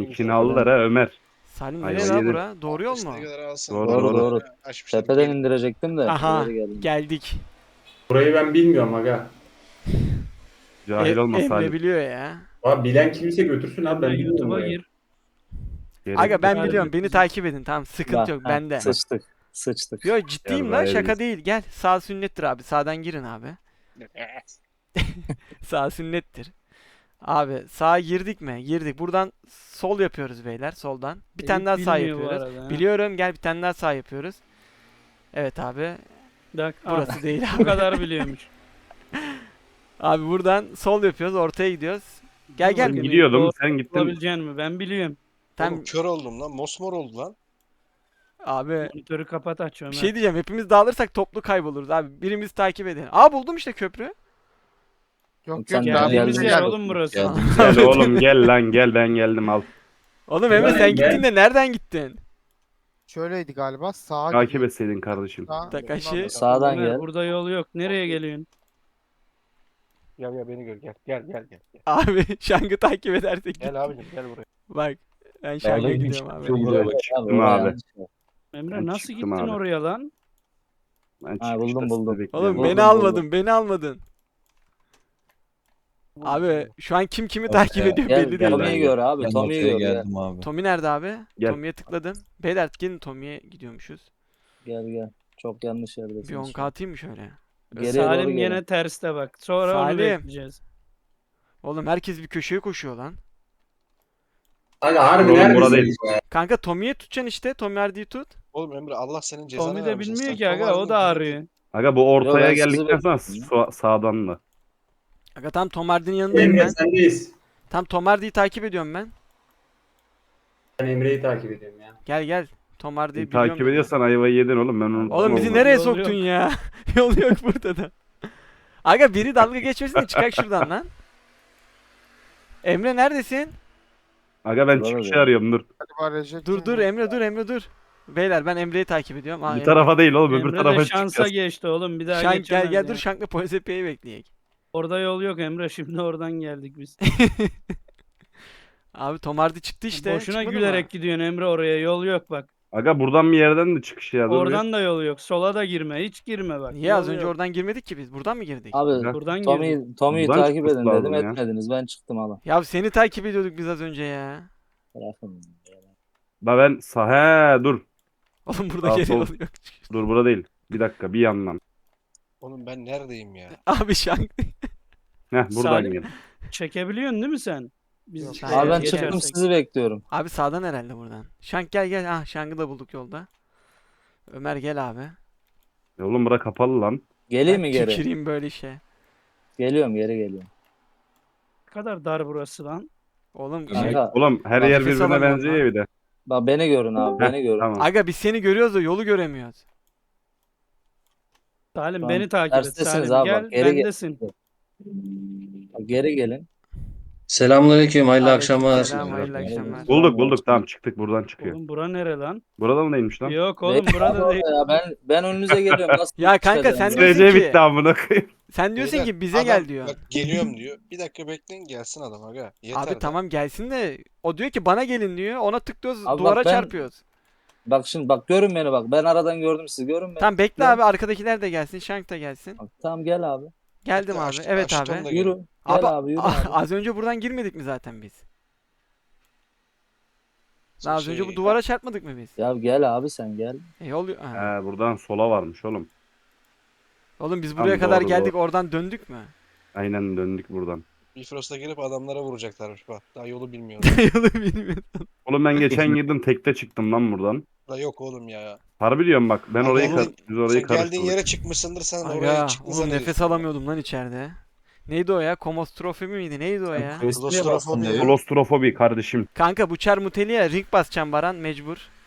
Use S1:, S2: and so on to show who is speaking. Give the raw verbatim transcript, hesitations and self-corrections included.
S1: İlkini aldılar ha Ömer.
S2: Salim
S1: Ayva
S2: nereye la
S1: yedin.
S2: bura? Doğru yol mu?
S3: İstediği kadar alsın.
S1: Doğru,
S3: Doğru
S1: doğru.
S3: doğru. Açmışlar.
S4: Tepeden
S3: Gelin.
S4: indirecektim de.
S2: Aha
S4: ileri geldim.
S2: geldik.
S5: Burayı ben bilmiyorum aga.
S1: Cahil
S2: E-
S1: olma
S2: Emre
S1: Salim.
S2: biliyor ya.
S5: Abi bilen kimse götürsün abi ben
S6: Ben
S5: bilmiyorum
S6: YouTube'a
S5: burayı.
S6: gir.
S1: Gerek
S2: Aga ben
S6: Harbi
S2: biliyorum beni
S6: bizim-
S2: takip edin tamam sıkıntı
S4: Bak,
S2: yok
S4: ha,
S2: bende.
S4: Sıçtık. Sıçtık.
S2: Yo ciddiyim
S1: Gel
S2: lan
S1: be,
S2: şaka
S1: elimiz.
S2: değil gel sağ sünnettir abi sağdan girin abi. Sağ sünnettir. Abi sağa girdik mi? Girdik. Buradan sol yapıyoruz beyler soldan. Bir tane daha
S6: Eyüp
S2: sağ
S6: bilmiyor bu
S2: yapıyoruz.
S6: arada ha.
S2: Biliyorum gel bir tane daha sağ yapıyoruz. Evet abi.
S6: Bak, ah,
S2: Burası değil
S6: bu
S2: abi.
S6: kadar biliyormuş.
S2: Abi buradan sol yapıyoruz ortaya gidiyoruz. Gel gel.
S6: Bakın,
S1: Gidiyordum
S6: doğru
S1: sen gittin.
S6: Bulabileceğin mi? Ben biliyorum.
S2: Tam
S3: Oğlum kör oldum lan. Mosmor oldu lan.
S2: abi
S6: Monitörü kapat aç Ömer.
S2: bir şey diyeceğim hepimiz dağılırsak toplu kayboluruz abi. Birimiz takip edin. Aa buldum işte köprü.
S7: Yok
S4: Sen
S7: yok
S4: de
S7: daha
S6: Geldiğimiz
S4: geldin.
S6: yer
S7: gel.
S6: oğlum burası.
S4: Geldim.
S1: Gel oğlum gel lan gel ben geldim al.
S2: Oğlum Emre
S5: Gel,
S2: sen
S5: gel.
S2: gittin de nereden gittin?
S7: Şöyleydi galiba sağa
S1: Takip
S7: gidiyor.
S1: etseydin kardeşim.
S7: Sağa-
S2: Takashi.
S7: Ondan da-
S4: Sağdan
S6: Ömer,
S4: gel.
S6: burada yol yok. Nereye geliyorsun?
S8: Gel gel beni gör gel gel gel gel. Gel,
S2: Abi Şang'ı takip edersek.
S8: gel abicim gel buraya.
S2: Bak ben Şang'a
S4: Geldim.
S2: gidiyorum abi.
S1: Çıktım
S4: oraya
S1: abi.
S4: yanlış yer.
S6: Emre
S1: Ben
S6: nasıl
S1: çıktım
S6: gittin
S1: abi.
S6: oraya lan?
S1: Ben
S4: Ha,
S1: çıkışta
S4: buldum,
S1: sizi
S4: buldum.
S1: bekliyorum.
S2: Oğlum
S4: Buldum,
S2: beni
S4: buldum.
S2: almadın, beni almadın. Abi şu an kim kimi takip
S9: Okey.
S2: ediyor
S4: Gel,
S2: belli değil.
S4: Tommy'yi gör abi.
S9: Ben
S4: Tommy'yi
S9: ortaya
S4: gör. Gel
S9: geldim abi.
S2: Tommy nerede abi?
S1: Gel.
S2: Tommy'ye tıkladım. Beyler gelin Tommy'ye gidiyormuşuz.
S4: gel. gel. Çok yanlış yerdesin.
S2: Bir on K atayım mı şöyle?
S4: Geriye doğru
S6: Salim
S4: gelin.
S6: yine terste bak. Sonra onu
S2: Salim.
S6: bekleyeceğiz.
S2: Oğlum herkes bir köşeye koşuyor lan.
S5: Aga harbi
S1: Oğlum,
S5: neredesin?
S1: burada değil.
S2: Kanka Tommy'ye tutacaksın işte. Tommy Hardy'yi tut.
S3: Oğlum Emre Allah senin cezanı
S6: Tommy de
S3: vermesin.
S6: bilmiyor
S3: Sen
S6: ki aga
S3: Tom
S6: o da
S3: Hardy'nin-
S6: arıyor.
S1: Aga bu
S4: Yo,
S1: ortaya
S4: ben sizi
S1: geldikten sonra
S4: bekliyorum
S1: sa- sağdan da.
S2: Aga tam Tom Hardy'nin yanındayım
S5: Emre
S2: ben.
S5: sendeyiz.
S2: Tam Tom Hardy'yi takip ediyorum ben.
S5: Ben Emre'yi takip ediyorum ya.
S2: Gel gel. Tom Hardy'yi biliyorum.
S1: Takip
S2: ben.
S1: ediyorsan ayvayı yedin oğlum ben onu.
S2: Oğlum bizi
S1: Olmaz.
S2: nereye
S6: Yol
S2: soktun
S6: yok.
S2: ya? Yol yok burada da. Aga biri dalga geçmesin de çıkak şuradan lan. Emre neredesin?
S1: Aga ben
S4: Burada
S1: çıkışı
S4: değil.
S1: arıyorum dur.
S7: Galiba Recep
S2: Dur dur
S7: Tayyip-
S2: Emre dur Emre dur. Beyler ben Emre'yi takip ediyorum. Aa,
S1: Bu
S2: Emre.
S1: tarafa değil oğlum öbür
S6: Emre
S1: tarafa
S6: de şansa
S1: çıkacağız.
S6: geçti oğlum. Bir daha
S2: Şank
S6: geçemez
S2: gel gel
S6: ya.
S2: dur Şank'la polis epeyi bekleyek.
S6: Orada yol yok Emre. Şimdi oradan geldik biz.
S2: Abi Tom Hardy çıktı işte.
S6: Boşuna
S2: çıkmadı
S6: gülerek
S2: mı?
S6: gidiyorsun Emre oraya. Yol yok bak.
S1: Aga buradan bir yerden de çıkış ya dur.
S6: Oradan da yol yok. Sola da girme. Hiç girme bak.
S2: Niye az
S6: Yol
S2: önce
S6: yok.
S2: oradan girmedik ki biz? Buradan mı girdik?
S4: Abi
S1: Aga.
S6: Buradan girdik.
S4: Tommy, Tommy'yi
S1: Buradan
S4: takip
S1: çıkması
S4: edin dedim
S1: lazım ya.
S4: etmediniz. Ben çıktım hala.
S2: Ya seni takip ediyorduk biz az önce ya.
S4: Bırakın.
S1: Da ben sağ he dur.
S2: Oğlum burada
S1: Sağ,
S2: geri
S1: sol.
S2: yol yok.
S1: Dur burada değil. Bir dakika bir yandan.
S3: Oğlum ben neredeyim ya?
S2: Abi Şank.
S1: Heh buradan
S6: Salim.
S1: gel.
S6: Çekebiliyorsun değil mi sen? Biz
S2: Yok,
S6: şeye
S2: hayır,
S4: Abi ben
S2: geçersek.
S4: çıktım
S6: geçersek.
S4: sizi bekliyorum.
S2: Abi sağdan herhalde buradan. Şank gel gel. Ah Şank'ı da bulduk yolda. Ömer gel abi.
S1: Ya oğlum bura kapalı lan.
S4: Geleyim mi
S2: Ben
S4: geri?
S2: tüküreyim böyle işe.
S4: Geliyorum geri geliyorum.
S6: Ne kadar dar burası lan.
S2: Oğlum
S9: Ömer.
S2: şey-
S4: Kanka,
S1: Oğlum her
S2: Bak,
S1: yer
S2: nefes
S1: birbirine
S2: alamıyorum
S1: benziyor
S2: lan.
S1: ya bir de.
S4: bak beni görün abi
S1: Heh,
S4: beni görün.
S1: Tamam.
S2: Aga biz seni görüyoruz da yolu göremiyoruz.
S6: Salim
S4: Tamam,
S6: beni takip et.
S4: terstesiniz
S6: Salim
S4: abi,
S6: gel
S4: bak, geri gel.
S6: bendesin.
S4: Bak, geri gelin.
S10: Selamünaleyküm, hayırlı
S2: Aleyküm
S10: akşamlar.
S2: selam, hayırlı akşamlar.
S1: Bulduk bulduk tamam çıktık buradan çıkıyor.
S6: Oğlum bura nere lan?
S1: Buradan neymiş lan?
S6: Yok oğlum
S4: Beyler,
S6: burada değil.
S4: ya ben ben önünüze geliyorum. Nasıl
S2: Ya kanka
S4: çıkacağım
S2: sen
S4: ya?
S2: diyorsun
S1: Sürece
S2: ki-
S1: bitti amına koyayım.
S2: Sen diyorsun
S3: Beyler,
S2: ki bize
S3: adam
S2: gel diyor.
S3: Bak geliyorum diyor. Bir dakika bekleyin gelsin adam aga. Yeter
S2: Abi
S3: de.
S2: tamam gelsin de o diyor ki bana gelin diyor. Ona tıklıyoruz
S4: Abi bak
S2: duvara
S4: ben-
S2: çarpıyoruz.
S4: Bak şimdi bak görün beni bak. Ben aradan gördüm sizi görün beni.
S2: Tamam bekle
S4: Gel.
S2: abi arkadakiler de gelsin. Şank da gelsin.
S4: Bak, tamam gel abi.
S2: Geldim
S3: Hatta
S2: abi.
S3: açtım-
S2: Evet
S3: açtım
S2: abi.
S3: da
S4: Yürü.
S3: gelin.
S4: Gel
S2: Abi,
S4: abi, yürü abi.
S2: az önce buradan girmedik mi zaten biz? Lan az önce bu
S3: Şey,
S2: duvara çarpmadık mı biz?
S4: Ya gel abi sen gel.
S2: E yol ha.
S1: He buradan sola varmış oğlum.
S2: Oğlum biz
S1: Tamam,
S2: buraya kadar
S1: doğru,
S2: geldik
S1: doğru.
S2: oradan döndük mü?
S1: Aynen döndük buradan.
S3: Bifrost'a girip adamlara vuracaklarmış bak. Daha yolu bilmiyorum.
S2: Yolu bilmiyorum.
S1: Oğlum ben geçen girdim tekte çıktım lan buradan.
S3: Da yok oğlum ya.
S1: Harbi diyorum bak ben
S3: Abi
S1: orayı
S3: oğlum,
S1: kar- biz orayı
S3: Sen geldiğin
S1: karıştırdık.
S3: yere çıkmışsındır sen oraya
S2: Aga
S3: çıktın
S2: oğlum
S3: zannediyorsun.
S2: nefes alamıyordum lan içeride. Neydi o ya? Komostrofi miydi? Neydi o ya?
S9: Quest'e bastın
S3: Klostrofobi.
S9: dedi.
S1: Klostrofobi kardeşim.
S2: Kanka bu çar muteli ya ring basacağım Baran mecbur.